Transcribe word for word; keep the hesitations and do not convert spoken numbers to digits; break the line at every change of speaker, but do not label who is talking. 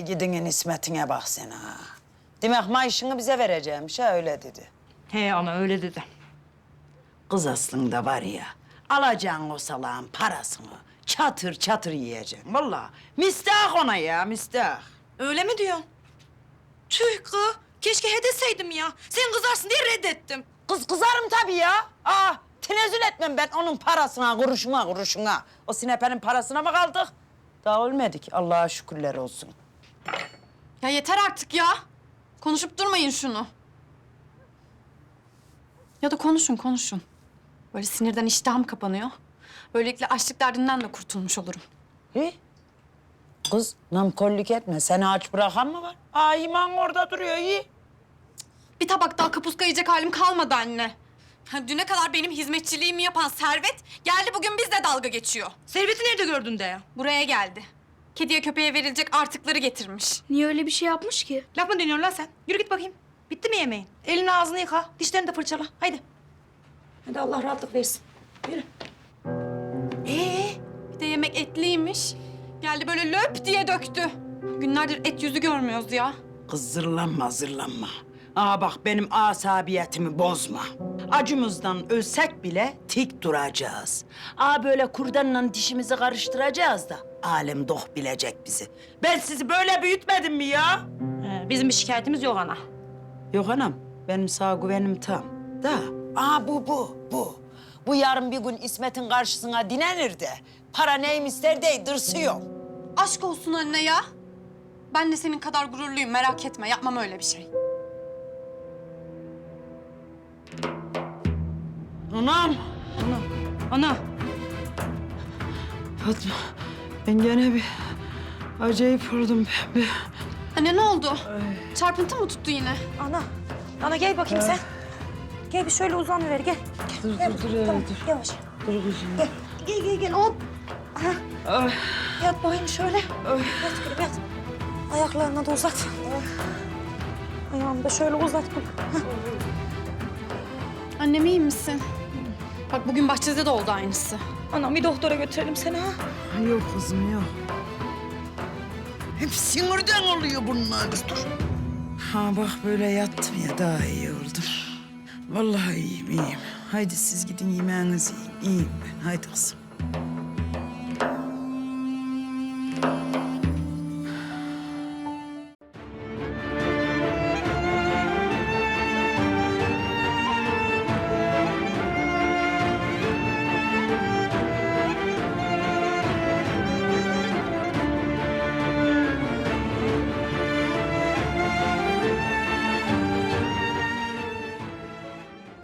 Ey gidinin ismetine bak sen ha. Demek maaşını bize vereceğimmiş ha, öyle dedi.
He ana öyle dedi.
Kız aslında var ya, alacaksın o salağın parasını, çatır çatır yiyeceksin. Vallahi müstahak ona ya, müstahak.
Öyle mi diyorsun? Tüh kız. Keşke he deseydim ya. Sen kızarsın diye reddettim.
Kız kızarım tabii ya. Aa, tenezzül etmem ben onun parasına, kuruşuna, kuruşuna. O sinepenin parasına mı kaldık? Daha ölmedik, Allah'a şükürler olsun.
Ya yeter artık ya. Konuşup durmayın şunu. Ya da konuşun, konuşun. Böyle sinirden iştahım kapanıyor. Böylelikle açlık derdinden de kurtulmuş olurum.
He? Kız namkollük etme, seni aç bırakan mı var? Aa, iman orada duruyor, iyi.
Bir tabak daha kapuska yiyecek halim kalmadı anne. Ha, düne kadar benim hizmetçiliğimi yapan Servet geldi bugün bizle dalga geçiyor.
Serveti nerede gördün de ya?
Buraya geldi. Kediye köpeğe verilecek artıkları getirmiş.
Niye öyle bir şey yapmış ki?
Laf mı deniyorsun lan sen? Yürü git bakayım. Bitti mi yemeğin? Elini ağzını yıka, dişlerini de fırçala. Haydi. Hadi Allah rahatlık versin. Yürü. Ee?
Bir de yemek etliymiş. Geldi böyle löp diye döktü. Günlerdir et yüzü görmüyoruz ya.
Kız zırlanma, zırlanma. Aa bak benim asabiyetimi bozma. Acımızdan ölsek bile tik duracağız. Aa böyle kurdanla dişimizi karıştıracağız da alem doh bilecek bizi. Ben sizi böyle büyütmedim mi ya?
Ee, bizim bir şikayetimiz yok ana.
Yok anam, benim sağ güvenim tam. Da, aa bu, bu, bu. Bu yarın bir gün İsmet'in karşısına dinenir de para neyim ister de dırsıyor.
Aşk olsun anne ya. Ben de senin kadar gururluyum, merak etme. Yapmam öyle bir şey.
Anam,
Ana. Ana.
Fatma, ben gene bir acayip oldum pembe.
Anne ne oldu? Çarpıntı mı tuttu yine?
Ana. Ana gel bakayım sen. Gel bir şöyle uzanıver gel.
Dur, dur, dur, öyle dur.
Yavaş.
Dur kızım.
Gel. Gel gel gel hop.
Ay,
Yat bakayım şöyle. Yat gülüm yat. Ayaklarını da uzat. Ayağını da şöyle uzat.
Annem iyi misin? Bak bugün bahçede de oldu aynısı.
Anam bir doktora götürelim seni ha.
yok kızım, yok. Hep sinirden oluyor bunlar. Dur. Ha bak böyle yattım ya, daha iyi oldum. Vallahi iyiyim, iyiyim. Haydi siz gidin yemeğinizi yiyin. İyiyim ben, haydi kızım.